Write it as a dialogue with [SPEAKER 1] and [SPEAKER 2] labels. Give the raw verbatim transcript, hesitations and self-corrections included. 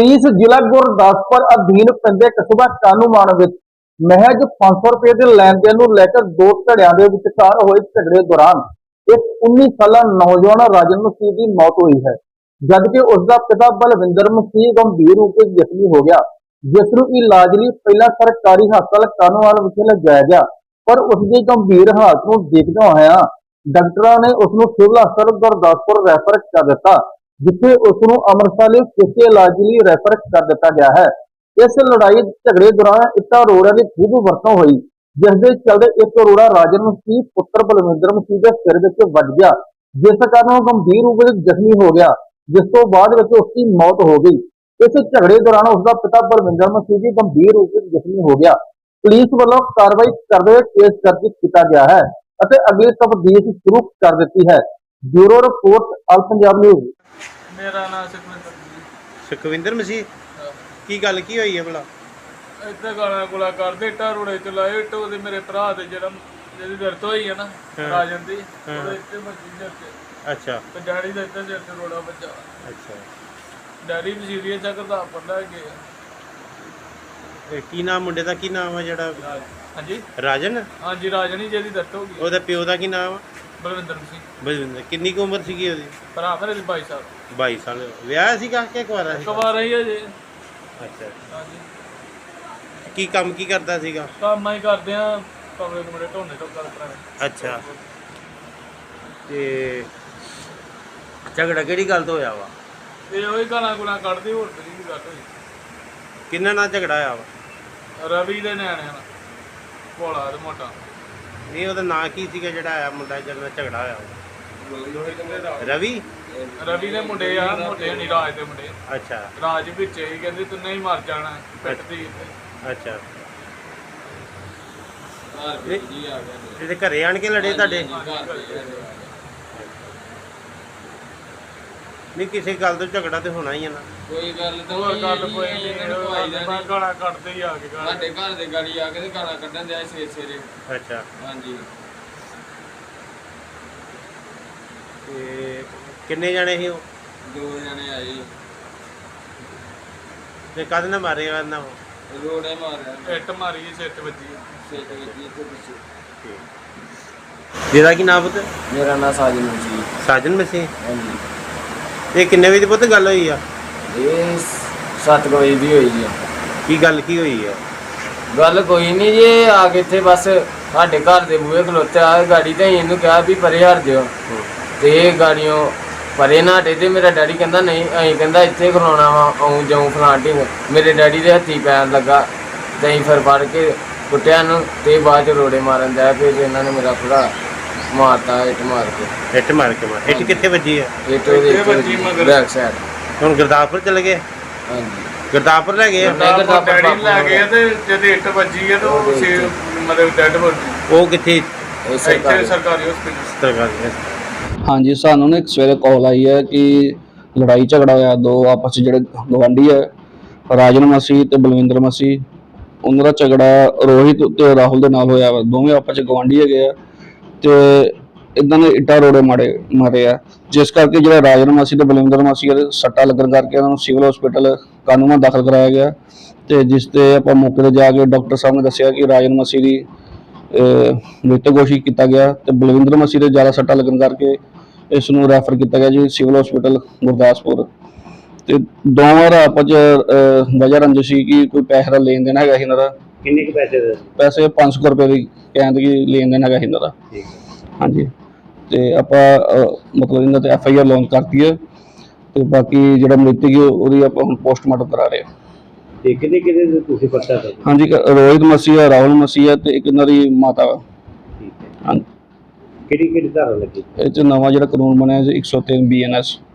[SPEAKER 1] Police ਜ਼ਿਲ੍ਹਾ ਗੁਰਦਾਸਪੁਰ ਅਧੀਨ ਪੈਂਦੇ ਕਸਬਾ ਕਾਨੂੰਮਾਨ ਵਿੱਚ ਮਹਿਜ ਪੰਜ ਸੌ ਰੁਪਏ ਦੇ ਲੈਣ ਦੇਣ ਨੂੰ ਲੈ ਕੇ ਦੋ ਧੜਿਆਂ ਦੇ ਵਿਚਕਾਰ ਹੋਏ ਝਗੜੇ ਦੌਰਾਨ ਇੱਕ ਉੱਨੀ ਸਾਲਾ ਨੌਜਵਾਨ ਰਾਜਨ ਮਸੀਹ ਦੀ ਮੌਤ ਹੋਈ ਹੈ, ਜਦਕਿ ਉਸ ਦਾ ਪਿਤਾ ਬਲਵਿੰਦਰ ਮਸੀਹ ਗੰਭੀਰ ਰੂਪ ਵਿੱਚ ਜ਼ਖਮੀ ਹੋ ਗਿਆ, ਜਿਸ ਨੂੰ ਇਲਾਜ ਲਈ ਪਹਿਲਾਂ ਸਰਕਾਰੀ ਹਸਪਤਾਲ ਕਾਨੂੰਮਾਨ ਵਿਖੇ ਲਿਜਾਇਆ ਗਿਆ। ਪਰ ਉਸ ਦੀ ਗੰਭੀਰ ਹਾਲਤ ਨੂੰ ਦੇਖਦਿਆਂ ਹੋਇਆਂ ਡਾਕਟਰਾਂ ਨੇ ਉਸ ਨੂੰ ਸਿਵਲ ਹਸਪਤਾਲ ਗੁਰਦਾਸਪੁਰ ਰੈਫਰ ਕਰ ਦਿੱਤਾ, ਜਿੱਥੇ ਉਸ ਨੂੰ ਅੰਮ੍ਰਿਤਸਰ ਲਈ ਕਿਸੇ ਇਲਾਜ ਲਈ ਰੈਫਰ ਕਰ ਦਿੱਤਾ ਗਿਆ ਹੈ। ਇਸ ਲੜਾਈ ਝਗੜੇ ਦੌਰਾਨ ਇੱਟਾਂ ਰੋੜਿਆਂ ਦੀ ਖੂਬ ਵਰਤੋਂ ਹੋਈ, ਜਿਸ ਦੇ ਚਲਦੇ ਇੱਕ ਰੋੜਾ ਰਾਜਨ ਮਸੀਹ ਪੁੱਤਰ ਬਲਵਿੰਦਰ ਮਸੀਹ ਦੇ ਸਿਰ ਵਿੱਚ ਵੱਜ ਗਿਆ, ਜਿਸ ਕਾਰਨ ਉਹ ਗੰਭੀਰ ਰੂਪ ਵਿੱਚ ਜ਼ਖਮੀ ਹੋ ਗਿਆ, ਜਿਸ ਤੋਂ ਬਾਅਦ ਵਿੱਚ ਉਸ ਦੀ ਮੌਤ ਹੋ ਗਈ। ਇਸ ਝਗੜੇ ਦੌਰਾਨ ਉਸ ਦਾ ਪਿਤਾ ਬਲਵਿੰਦਰ ਮਸੀਹ ਵੀ ਗੰਭੀਰ ਰੂਪ ਵਿੱਚ ਜ਼ਖਮੀ ਹੋ ਗਿਆ। ਪੁਲਿਸ ਵੱਲੋਂ ਕਾਰਵਾਈ ਕਰਦੇ ਹੋਏ ਕੇਸ ਦਰਜ ਕੀਤਾ ਗਿਆ ਹੈ ਅਤੇ ਅਗਲੀ ਤਫਤੀਸ਼ ਸ਼ੁਰੂ ਕਰ ਦਿੱਤੀ ਹੈ। Bureau report all Punjab news.
[SPEAKER 2] ਮੇਰਾ ਨਾਮ ਸੁਖਵਿੰਦਰ
[SPEAKER 3] ਸੁਖਵਿੰਦਰ ਮਸੀਹ ਕੀ ਗੱਲ ਕੀ ਹੋਈ ਹੈ ਭਲਾ?
[SPEAKER 2] ਇੱਥੇ ਗਾਲਾਂ ਗੁਲਾ ਕਰਦੇ ਇੱਟਾਂ ਰੋੜੇ ਚਲਾਏ। ਇੱਟ ਉਹਦੇ ਮੇਰੇ ਭਰਾ ਦੇ ਜਿਹੜਾ ਜਿਹਦੀ ਦਰਦ ਹੋਈ ਹੈ ਨਾ ਰਾਜਨ ਦੀ, ਉਹਦੇ ਇੱਥੇ ਮੱਜੀ ਸਿਰ ਤੇ।
[SPEAKER 3] ਅੱਛਾ।
[SPEAKER 2] ਤੇ ਡੈਡੀ ਦਾ ਇੱਥੇ ਸਿਰ ਤੇ ਰੋੜਾ ਵੱਜਾ।
[SPEAKER 3] ਅੱਛਾ।
[SPEAKER 2] ਡੈਡੀ ਵੀ ਸੀਰੀਅਸ ਆ, ਕਰਦਾ ਪੜਦਾ ਗਿਆ।
[SPEAKER 3] ਇਹ ਕੀ ਨਾਮ ਮੁੰਡੇ ਦਾ ਕੀ ਨਾਮ ਆ ਜਿਹੜਾ?
[SPEAKER 2] ਹਾਂਜੀ
[SPEAKER 3] ਰਾਜਨ।
[SPEAKER 2] ਹਾਂਜੀ ਰਾਜਨ ਹੀ ਜਿਹਦੀ ਦਰਦ ਹੋ ਗਈ।
[SPEAKER 3] ਉਹਦੇ ਪਿਓ ਦਾ ਕੀ ਨਾਮ ਆ?
[SPEAKER 2] ਬਲਵਿੰਦਰ ਸਿੰਘ।
[SPEAKER 3] ਬਲਵਿੰਦਰ। ਕਿੰਨੀ ਕੁ ਉਮਰ ਸੀਗੀ ਉਹਦੀ?
[SPEAKER 2] ਭਰਾ ਮੇਰੇ ਦੀ ਬਾਈ ਸਾਲ।
[SPEAKER 3] ਬਾਈ ਸਾਲ। ਵਿਆਹ ਸੀਗਾ ਕਿ ਕੁਆਰਾ ਸੀ?
[SPEAKER 2] ਕੁਆਰਾ ਹੀ ਹੈ ਜੀ।
[SPEAKER 3] ਅੱਛਾ।
[SPEAKER 2] ਹਾਂਜੀ।
[SPEAKER 3] ਕੀ ਕੰਮ ਕੀ ਕਰਦਾ ਸੀਗਾ?
[SPEAKER 2] ਕੰਮ ਹੀ ਕਰਦੇ ਆ, ਕਮਰੇ ਕੁਮਰੇ ਢੋਣੇ ਤੋਂ ਕਰ ਕਰਾਂਗੇ।
[SPEAKER 3] ਅੱਛਾ। ਤੇ ਝਗੜਾ ਕਿਹੜੀ ਗੱਲ ਤੋਂ ਹੋਇਆ ਵਾ?
[SPEAKER 2] ਇਹ ਉਹੀ ਗਾਲਾਂ ਗੁਲਾਂ ਕੱਢਦੀ, ਹੋਰ ਤੇਰੀ ਗੱਲ ਹੋਈ।
[SPEAKER 3] ਕਿੰਨਾ ਨਾਲ ਝਗੜਾ ਹੋਇਆ ਵਾ?
[SPEAKER 2] ਰਵੀ ਦੇ ਨਿਆਣਿਆਂ ਨਾਲ, ਭੋਲਾ ਤੇ ਮੋਟਾ।
[SPEAKER 3] ਨਹੀਂ, ਉਹਦਾ ਨਾਂ ਕੀ ਸੀਗਾ ਜਿਹੜਾ ਆਇਆ ਮੁੰਡਾ ਜਿਹਦੇ ਨਾਲ ਝਗੜਾ ਹੋਇਆ ਵਾ? ਰਵੀ।
[SPEAKER 2] ਰਵੀ ਦੇ ਮੁੰਡੇ ਆ, ਮੋਟੇ ਨਹੀਂ ਰਾਜ ਦੇ ਮੁੰਡੇ।
[SPEAKER 3] ਅੱਛਾ।
[SPEAKER 2] ਰਾਜ ਵਿੱਚ ਹੀ ਕਹਿੰਦੇ ਤੂੰ ਨਹੀਂ ਮਰ ਜਾਣਾ ਪਿੱਟ ਦੀ।
[SPEAKER 3] ਅੱਛਾ।
[SPEAKER 2] ਜੀ ਆ ਗਿਆ
[SPEAKER 3] ਇਹਦੇ ਘਰੇ ਆਣ ਕੇ ਲੜੇ ਤੁਹਾਡੇ? ਨਹੀਂ, ਕਿਸੇ ਗੱਲ ਤੋਂ ਝਗੜਾ ਤੇ ਹੋਣਾ ਹੀ ਹੈ ਨਾ।
[SPEAKER 4] ਕੋਈ ਗੱਲ ਤਾਂ
[SPEAKER 2] ਹੋਰ ਗੱਲ ਕੋਈ ਨਹੀਂ, ਗਾਲਾਂ ਕੱਢਦੇ ਹੀ ਆ ਕੇ।
[SPEAKER 4] ਸਾਡੇ ਘਰ ਦੇ ਗਾੜੀ ਆ ਕੇ ਤੇ ਗਾਲਾਂ ਕੱਢਣ ਦਿਆ ਸਵੇਰੇ ਸਵੇਰੇ।
[SPEAKER 3] ਅੱਛਾ।
[SPEAKER 4] ਹਾਂਜੀ।
[SPEAKER 3] ਤੇ ਕਿੰਨੇ ਜਣੇ ਸੀ ਉਹ?
[SPEAKER 4] ਦੋ ਜਣੇ ਆਏ।
[SPEAKER 3] ਤੇ ਕਦ ਨਾ ਮਾਰੇਗਾ ਨਾ
[SPEAKER 4] ਰੋੜੇ ਮਾਰਿਆ।
[SPEAKER 2] ਇੱਟ ਮਾਰੀ ਸਿਰ ਤੇ ਵੱਜੀ।
[SPEAKER 4] ਸਿਰ ਤੇ ਵੱਜੀ ਇੱਥੇ ਪਿੱਛੇ।
[SPEAKER 3] ਜਿਹਦਾ ਕੀ ਨਾਮ ਪੁੱਤ?
[SPEAKER 4] ਮੇਰਾ ਨਾਂ ਸਾਜਨ ਮਸੀਹ।
[SPEAKER 3] ਸਾਜਨ ਮਸੀਹ।
[SPEAKER 4] ਹਾਂਜੀ।
[SPEAKER 3] ਇਹ ਕਿੰਨੇ ਵਜੇ ਪੁੱਤ ਗੱਲ ਹੋਈ ਆ?
[SPEAKER 4] ਇਹ ਸੱਤ ਵਜੇ ਦੀ ਹੋਈ ਜੀ।
[SPEAKER 3] ਕੀ ਗੱਲ ਕੀ ਹੋਈ ਆ?
[SPEAKER 4] ਗੱਲ ਕੋਈ ਨਹੀਂ ਜੀ, ਆ ਕੇ ਇੱਥੇ ਬਸ ਸਾਡੇ ਘਰ ਦੇ ਬੂਹੇ ਖਲੋਤੇ ਆ ਗਾੜੀ ਤੇ ਇਹਨੂੰ ਕਿਹਾ ਵੀ ਪਰੇ ਹਟ ਦਿਓ, ਤੇ ਇਹ ਗਾੜੀਆਂ ਪਰੇ ਨਾ ਹਟੇ। ਤੇ ਮੇਰਾ ਡੈਡੀ ਕਹਿੰਦਾ ਨਹੀਂ, ਅਸੀਂ ਕਹਿੰਦਾ ਇੱਥੇ ਖਲੋਣਾ ਵਾ, ਆਉਂ ਜਾਉਂ ਫਲਾਂਟਿੰਗ। ਮੇਰੇ ਡੈਡੀ ਦੇ ਹੱਥੀ ਪੈਣ ਲੱਗਾ ਤੇ ਅਸੀਂ ਫਿਰ ਫੜ ਕੇ ਕੁੱਟਿਆ ਨੂੰ, ਤੇ ਬਾਅਦ ਚ ਰੋੜੇ ਮਾਰਨ ਦਿਆ। ਫਿਰ ਇਹਨਾਂ ਨੇ ਮੇਰਾ ਭਰਾ ਮਾਰਤਾ ਇੱਟ ਮਾਰ ਕੇ।
[SPEAKER 3] ਇੱਟ ਮਾਰ ਕੇ ਮਾਰ। ਇੱਟ ਕਿੱਥੇ ਵੱਜੀ ਆ?
[SPEAKER 4] ਇੱਟ ਉਹਦੇ ਬੈਕ ਸਾਈਡ।
[SPEAKER 3] ਹੁਣ ਗੁਰਦਾਸਪੁਰ ਚਲੇ ਗਏ?
[SPEAKER 4] ਹਾਂਜੀ।
[SPEAKER 3] ਗੁਰਦਾਸਪੁਰ ਲੈ ਗਏ?
[SPEAKER 2] ਡੈਡੀ ਲੈ ਗਏ ਤੇ ਜਦ ਇੱਟ ਵੱਜੀ ਹੈ ਤਾਂ ਉਹ ਛੇ ਮਤਲਬ ਡੈਡ ਹੋ ਗਈ।
[SPEAKER 3] ਉਹ ਕਿੱਥੇ?
[SPEAKER 2] ਇੱਥੇ ਸਰਕਾਰੀ ਹਸਪੀਟਲ।
[SPEAKER 3] ਸਰਕਾਰੀ।
[SPEAKER 5] ਹਾਂਜੀ, ਸਾਨੂੰ ਨਾ ਇੱਕ ਸਵੇਰੇ ਕਾਲ ਆਈ ਹੈ ਕਿ ਲੜਾਈ ਝਗੜਾ ਹੋਇਆ ਦੋ ਆਪਸ 'ਚ ਜਿਹੜੇ ਗਵਾਂਢੀ ਹੈ ਰਾਜਨ ਮਸੀਹ ਤੇ ਬਲਵਿੰਦਰ ਮਸੀਹ, ਉਹਨਾਂ ਦਾ ਝਗੜਾ ਰੋਹਿਤ ਤੇ ਰਾਹੁਲ ਦੇ ਨਾਲ ਹੋਇਆ ਵਾ। ਦੋਵੇਂ ਆਪਸ 'ਚ ਗਵਾਂਢੀ ਹੈਗੇ ਆ ਤੇ ਇਦਾਂ ਦੇ ਇੱਟਾਂ ਰੋੜੇ ਮਾਰੇ ਮਾਰੇ ਆ, ਜਿਸ ਕਰਕੇ ਜਿਹੜਾ ਰਾਜਨ ਮਸੀਹ ਤੇ ਬਲਵਿੰਦਰ ਮਸੀਹ ਦੇ ਸੱਟਾਂ ਲੱਗਣ ਕਰਕੇ ਉਹਨਾਂ ਨੂੰ ਸਿਵਲ ਹਸਪੀਟਲ ਕਾਨੂੰਮਾਨ ਦਾਖਲ ਕਰਾਇਆ ਗਿਆ। ਤੇ ਜਿਸ ਤੇ ਆਪਾਂ ਮੌਕੇ ਤੇ ਜਾ ਕੇ ਡਾਕਟਰ ਸਾਹਿਬ ਨੇ ਦੱਸਿਆ ਕਿ ਰਾਜਨ ਮਸੀਹ ਦੀ ਮ੍ਰਿਤਕ ਘੋਸ਼ਿਤ ਕੀਤਾ ਗਿਆ ਤੇ ਬਲਵਿੰਦਰ ਮਸੀਹ ਦੇ ਜ਼ਿਆਦਾ ਸੱਟਾਂ ਲੱਗਣ ਕਰਕੇ ਇਸ ਨੂੰ ਰੈਫਰ ਕੀਤਾ ਗਿਆ ਜੀ ਸਿਵਲ ਹਸਪੀਟਲ ਗੁਰਦਾਸਪੁਰ। ਤੇ ਦੋਵਾਂ ਦਾ ਆਪਸ 'ਚ ਵਜ੍ਹਾ ਰੰਜਿਸ਼ ਸੀ ਕਿ ਕੋਈ ਪੈਸੇ ਦਾ ਲੈਣ ਦੇਣ ਹੈਗਾ ਸੀ ਇਹਨਾਂ ਦਾ।
[SPEAKER 3] ਕਿੰਨੇ ਕੁ ਪੈਸੇ ਦੇ? ਪੈਸੇ
[SPEAKER 5] ਪੰਜ ਸੌ ਰੁਪਏ ਦੀ ਕਹਿੰਦੇ ਕਿ ਲੈਣ ਦੇਣ ਹੈਗਾ ਸੀ ਇਹਨਾਂ ਦਾ। ਹਾਂਜੀ। ਤੇ ਆਪਾਂ ਮਤਲਬ ਇਹਨਾਂ ਤੇ ਐਫ ਆਈ ਆਰ ਲਾਂਚ ਕਰਤੀ ਹੈ ਤੇ ਬਾਕੀ ਜਿਹੜਾ ਮ੍ਰਿਤਕ ਹੈ ਉਹਦੀ ਆਪਾਂ ਹੁਣ ਪੋਸਟਮਾਰਟਮ ਕਰਾ ਰਹੇ ਹਾਂ।
[SPEAKER 3] ਤੇ ਕਿਹਦੇ ਕਿਹਦੇ ਤੁਸੀਂ ਪਰਚਾ ਦਿੱਤਾ?
[SPEAKER 5] ਹਾਂਜੀ, ਰੋਹਿਤ ਮਸੀਹ ਹੈ, ਰਾਹੁਲ ਮਸੀਹ ਹੈ ਤੇ ਇੱਕ ਇਹਨਾਂ ਦੀ ਮਾਤਾ ਵਾ।
[SPEAKER 3] ਠੀਕ ਹੈ।
[SPEAKER 5] ਹਾਂਜੀ।
[SPEAKER 3] ਕਿਹੜੀ ਕਿਹੜੀ ਧਾਰਾ ਲੱਗੀ?
[SPEAKER 5] ਇਹ 'ਚ ਨਵਾਂ ਜਿਹੜਾ ਕਾਨੂੰਨ ਬਣਿਆ ਇੱਕ ਸੌ ਤਿੰਨ ਬੀ ਐਨ ਐਸ